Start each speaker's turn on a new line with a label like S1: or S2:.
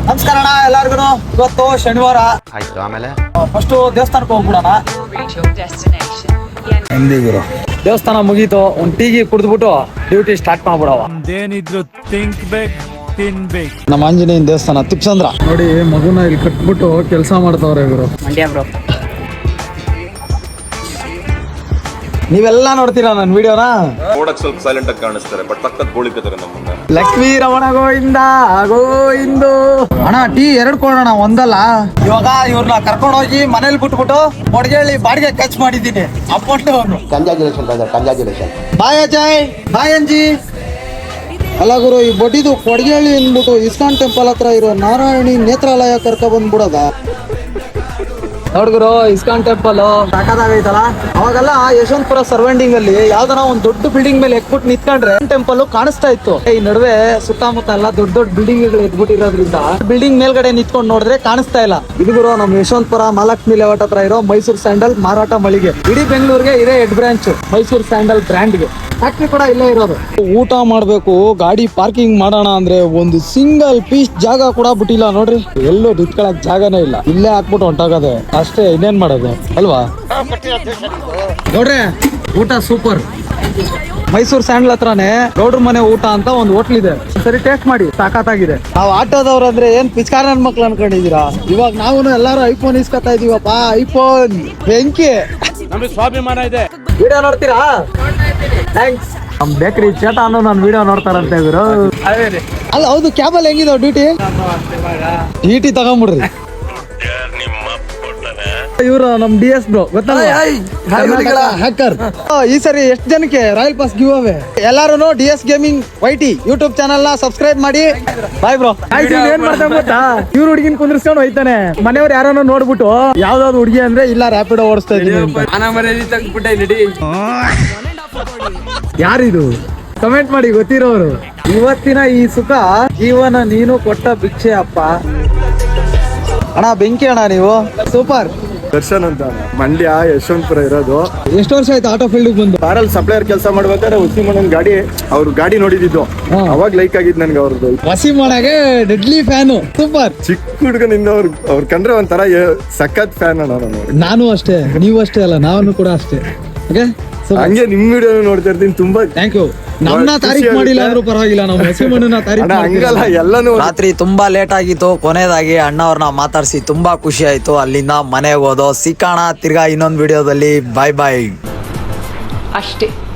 S1: ನಮಸ್ಕಾರ ಅಣ್ಣ ಎಲ್ಲಾರ್ಗು. ಇವತ್ತು ಶನಿವಾರ
S2: ಆಯ್ತು. ಆಮೇಲೆ
S1: ಫಸ್ಟ್ ದೇವಸ್ಥಾನಕ್ಕೆ ಹೋಗ್ಬಿಡೋಣ. ಎಂದಿಗುರು ದೇವಸ್ಥಾನ ಮುಗೀತು, ಒಂದ್ ಟೀಗಿ ಕುಡಿದ್ಬಿಟ್ಟು ಡ್ಯೂಟಿ ಸ್ಟಾರ್ಟ್ ಮಾಡ್ಬಿಡವ.
S3: ಏನಿದ್ರು ತಿನ್ಬೇಕು.
S1: ನಮ್ಮ ಆಂಜನೇಯನ ದೇವಸ್ಥಾನ ತಿಪ್ಸಂದ್ರ ನೋಡಿ. ಮಗುನ ಇಲ್ಲಿ ಕಟ್ಬಿಟ್ಟು ಕೆಲಸ ಮಾಡ್ತಾವ್ರೆ ಇವರು. ನೀವೆಲ್ಲ ನೋಡ್ತೀರಾ ನನ್ನ ವಿಡಿಯೋನ?
S4: ನೋಡಕ್ ಸ್ವಲ್ಪ ಸೈಲೆಂಟ್ ಆಗಿ ಕಾಣಿಸ್ತಾರೆ, ಬಟ್ ಪಕ್ಕದ ಗೋಳಿಕತಾರೆ ನಮ್ಮನ್ನ.
S1: ಲಕ್ಷ್ಮೀ ರಮಣ ಗೋವಿಂದ ಗೋವಿಂದು. ಅಣ್ಣ ಟೀ 2 ಕೊಡೋಣ, ಒಂದಲ್ಲ. ಇವಾಗ ಇವ್ರನ್ನ ಕರ್ಕೊಂಡು ಹೋಗಿ ಮನೇಲಿ ಬಿಟ್ಬಿಟ್ಟು ಕೊಡ್ಗೇಳಿ ಬಾಡಿಗೆ ಖರ್ಚು ಮಾಡಿದ್ದೀನಿ. ಅಪ್ಪಟ್ಟು
S2: ಕಂಗ್ರಾಚುಲೇಷನ್.
S1: ಬಾಯ್ ಅಜಯ್, ಬಾಯ್ ಅಂಜಿ. ಅಲ್ಲ ಗುರು, ಈ ಬಡ್ಡಿದು ಕೊಡ್ಗೇಳಿ ಅಂದ್ಬಿಟ್ಟು ಇಸ್ಕಾನ್ ಟೆಂಪಲ್ ಹತ್ರ ಇರೋ ನಾರಾಯಣಿ ನೇತ್ರಾಲಯ ಕರ್ಕ ಬಂದ್ಬಿಡೋದ. ನೋಡ್ಗುರು, ಇಸ್ಕಾನ್ ಟೆಂಪಲ್ ಸಾಕಾಗೈತಲ್ಲ. ಅವಾಗೆಲ್ಲ ಯಶವಂತಪುರ ಸರ್ವೆಂಡಿಂಗ್ ಅಲ್ಲಿ ಯಾವ್ದಾರ ಒಂದ್ ದೊಡ್ಡ ಬಿಲ್ಡಿಂಗ್ ಮೇಲೆ ಎಕ್ಬಿಟ್ಟು ನಿಂತ್ಕೊಂಡ್ರೆ ಟೆಂಪಲ್ ಕಾಣಿಸ್ತಾ ಇತ್ತು. ಈ ನಡುವೆ ಸುತ್ತಮುತ್ತ ಎಲ್ಲ ದೊಡ್ಡ ದೊಡ್ಡ ಬಿಲ್ಡಿಂಗ್ ಗಳು ಎದ್ಬಿಟ್ಟಿರೋದ್ರಿಂದ ಬಿಲ್ಡಿಂಗ್ ಮೇಲ್ಗಡೆ ನಿಂತ್ಕೊಂಡು ನೋಡಿದ್ರೆ ಕಾಣಿಸ್ತಾ ಇಲ್ಲ. ಇದು ಗುರು ನಮ್ ಯಶವಂತಪುರ ಮಹಾಲಕ್ಷ್ಮಿ ಲೇಔಟ್ ಹತ್ರ ಇರೋ ಮೈಸೂರು ಸ್ಯಾಂಡಲ್ ಮಾರಾಟ ಮಳಿಗೆ. ಇಡೀ ಬೆಂಗಳೂರಿಗೆ ಇದೇ ಹೆಡ್ ಬ್ರಾಂಚ್ ಮೈಸೂರು ಸ್ಯಾಂಡಲ್ ಬ್ರ್ಯಾಂಡ್ಗೆ. ಫ್ಯಾಕ್ಟ್ರಿ ಕೂಡ ಇಲ್ಲೇ ಇರೋದು. ಊಟ ಮಾಡ್ಬೇಕು, ಗಾಡಿ ಪಾರ್ಕಿಂಗ್ ಮಾಡೋಣ ಅಂದ್ರೆ ಒಂದು ಸಿಂಗಲ್ ಪೀಸ್ ಜಾಗ ಕೂಡ ಬಿಟ್ಟಿಲ್ಲ ನೋಡ್ರಿ. ಎಲ್ಲೂ ನಿಂತ್ಕೊಳಕ್ ಜಾಗನೇ ಇಲ್ಲ. ಇಲ್ಲೇ ಹಾಕ್ಬಿಟ್ಟು ಹೊಂಟಾಗದೆ ಅಷ್ಟೇ, ಇನ್ನೇನ್ ಮಾಡೋದು ಅಲ್ವಾ? ನೋಡ್ರಿ ಊಟ ಸೂಪರ್. ಮೈಸೂರು ಸ್ಯಾಂಡಲ್ ಹತ್ರನೇ ಗೌಡ್ರ ಮನೆ ಊಟ ಅಂತ ಒಂದು ಹೋಟ್ಲ್ ಇದೆ. ಸರಿ ಟೇಸ್ಟ್ ಮಾಡಿ, ಸಾಕಾಗಿದೆ. ನಾವು ಆಟೋದವ್ರು ಅಂದ್ರೆ ಏನ್ ಪಿಚ್ಕಾರ ನನ್ ಮಕ್ಳು ಅನ್ಕೊಂಡಿದೀರಾ? ಇವಾಗ ನಾವು ಎಲ್ಲಾರು ಐಫೋನ್ ಇಸ್ಕೊತಾ ಇದೀವಪ್ಪ. ಐಫೋನ್ ಬೆಂಕಿ.
S3: ನಮಗೆ ಸ್ವಾಭಿಮಾನ ಇದೆ.
S1: ವಿಡಿಯೋ ನೋಡ್ತೀರಾ? ಥ್ಯಾಂಕ್ಸ್. ನಮ್ ಬೇಕರಿ ಚೇಟಾನು ನನ್ನ ವಿಡಿಯೋ ನೋಡ್ತಾರಂತೆ ಇವರು. ಅಲ್ಲ ಹೌದು, ಕ್ಯಾಬಲ್ ಹೆಂಗಿದಾವ ಡ್ಯೂಟಿ ತಗೊಂಬಿಡ್ರಿ. ಇವರು ನಮ್ DS ಬ್ರೋ ಗೊತ್ತಲ್ಲ, ಹ್ಯಾಕರ್. ಈ ಸರಿ ಎಷ್ಟು ಜನಕ್ಕೆ ರಾಯಲ್ ಪಾಸ್ ಗಿವ್ ಅವೇ. ಎಲ್ಲಾರು DS gaming YT YouTube channel ನ ಸಬ್ಸ್ಕ್ರೈಬ್ ಮಾಡಿ. Bye bro. ಏನ್ ಮಾಡ್ತಾ ಗೊತ್ತಾ, ಇವ್ರು ಹುಡುಗಿನ ಕುಂದ್ರಿಸ್ಕೊಂಡು ಹೋಯ್ತಾನೆ. ಮನೆಯವ್ರು ಯಾರನ್ನೋ ನೋಡ್ಬಿಟ್ಟು ಯಾವ್ದಾವ್ದು ಹುಡುಗಿ ಅಂದ್ರೆ ಇಲ್ಲ ರ್ಯಾಪಿಡೋ ಓಡಿಸ್ತಾ ಇದೀನಿ. ಯಾರಿದು ಕಮೆಂಟ್ ಮಾಡಿ ಗೊತ್ತಿರೋರು. ಇವತ್ತಿನ ಈ ಸುಖ ಜೀವನ ನೀನು ಕೊಟ್ಟ ಭಿಕ್ಷೆ ಅಪ್ಪ. ಅಣ್ಣ ಬೆಂಕಿ ಅಣ್ಣ ನೀವು ಸೂಪರ್.
S5: ದರ್ಶನ್ ಅಂತ ಮಂಡ್ಯ ಯಶವಂತಪುರ ಇರೋದು.
S1: ಎಷ್ಟು ವರ್ಷ ಆಯ್ತು ಆಟೋ ಫೀಲ್ಡ್ ಬಂದು?
S5: ಕಾರಲ್ಲಿ ಸಪ್ಲೈಯರ್ ಕೆಲಸ ಮಾಡ್ಬೇಕಾದ್ರೆ ಉಸಿಮಣ್ಣನ್ ಗಾಡಿ ಅವ್ರ ಗಾಡಿ ನೋಡಿದ್ದು. ಅವಾಗ ಲೈಕ್ ಆಗಿದ್ ನನ್ಗೆ ಅವ್ರದ್ದು.
S1: ವಸಿಮಣ್ಣಗೆ ಡೆಡ್ಲಿ ಫ್ಯಾನು. ಸೂಪರ್.
S5: ಚಿಕ್ಕ ಹುಡುಗನಿಂದ ಅವ್ರ ಕಂಡ್ರೆ ಒಂಥರ ಸಖತ್ ಫ್ಯಾನ್ ಅಣ್ಣ.
S1: ನಾನು ಅಷ್ಟೇ, ನೀವು ಅಷ್ಟೇ ಅಲ್ಲ, ನಾನು ಕೂಡ ಅಷ್ಟೇ.
S5: ಹಂಗೆ ನಿಮ್ ವಿಡಿಯೋ ನೋಡ್ತಾ ಇರ್ತೀನಿ. ತುಂಬಾ
S1: ಥ್ಯಾಂಕ್ ಯು. ನಮ್ಮನ್ನ ತಾರೀಫ್ ಮಾಡಿಲ್ಲ ಅಂದ್ರೂ ಪರವಾಗಿಲ್ಲ, ನಾವು ವಸಿಮಣ್ಣನ ತಾರೀಫ್
S5: ಹಂಗಲ್ಲ ಎಲ್ಲಾನು.
S6: ರಾತ್ರಿ ತುಂಬಾ ಲೇಟ್ ಆಗಿತ್ತು. ಕೊನೆಯದಾಗಿ ಅಣ್ಣವ್ರನ್ನ ಮಾತಾಡ್ಸಿ ತುಂಬಾ ಖುಷಿ ಆಯ್ತು. ಅಲ್ಲಿಂದ ಮನೆಗೆ ಹೋದೋ. ಸಿಕ್ಕಾಣ ತಿರ್ಗಾ ಇನ್ನೊಂದು ವಿಡಿಯೋದಲ್ಲಿ. ಬಾಯ್ ಬಾಯ್
S7: ಅಷ್ಟೇ.